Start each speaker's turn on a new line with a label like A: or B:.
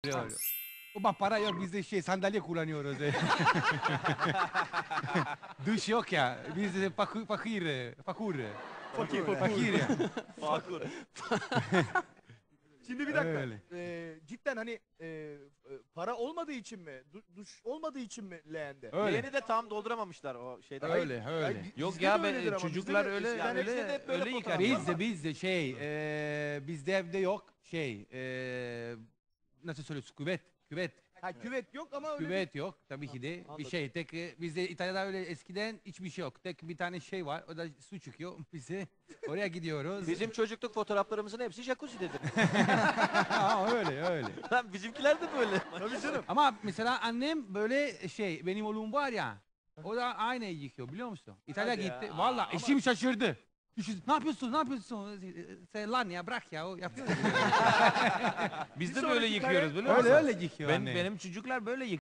A: Ama para yok, biz de sandalye kullanıyoruz. Duş yok ya, biz de fakir.
B: Fakir ya.
A: Fakir ya.
B: Fakur.
C: Şimdi bir dakika.
A: Öyle.
C: Cidden hani para olmadığı için mi? Duş olmadığı için mi leğende?
A: Öyle.
B: Leğeni de tam dolduramamışlar o şeyden.
A: Öyle, öyle.
C: Yani
D: Yok
C: bizde
D: ya
C: de
D: ben
C: öyledir ama
D: çocuklar
C: bizde de-
D: öyle
B: yani bizde de hep böyle
D: öyle yıkar.
B: fotoğraflar
A: Bizde bizde evde yok nasıl söylüyorsun, küvet.
C: Ha, küvet yok ama öyle
A: Küvet yok tabii ki de.
B: Anladım.
A: Bir şey tek bizde İtalya'da öyle eskiden hiçbir şey yok. Tek bir tane şey var, o da su çıkıyor. Biz de oraya gidiyoruz.
B: Bizim çocukluk fotoğraflarımızın hepsi jacuzzi'dedir.
A: Ha, öyle.
B: Lan bizimkiler de böyle.
C: Tabii canım.
A: Ama mesela annem böyle benim oğlum var ya, o da aynı yıkıyor biliyor musun? İtalya
B: Hadi ya.
A: gitti. Valla
B: Ama-
A: eşim şaşırdı. Ne yapıyorsun? Sen lan ya bırak ya, o yapıyor.
D: Biz
C: Bir
D: de böyle
C: sonraki
D: yıkıyoruz
C: kare-
D: biliyor musun?
A: öyle yıkıyor annem.
D: Benim çocuklar böyle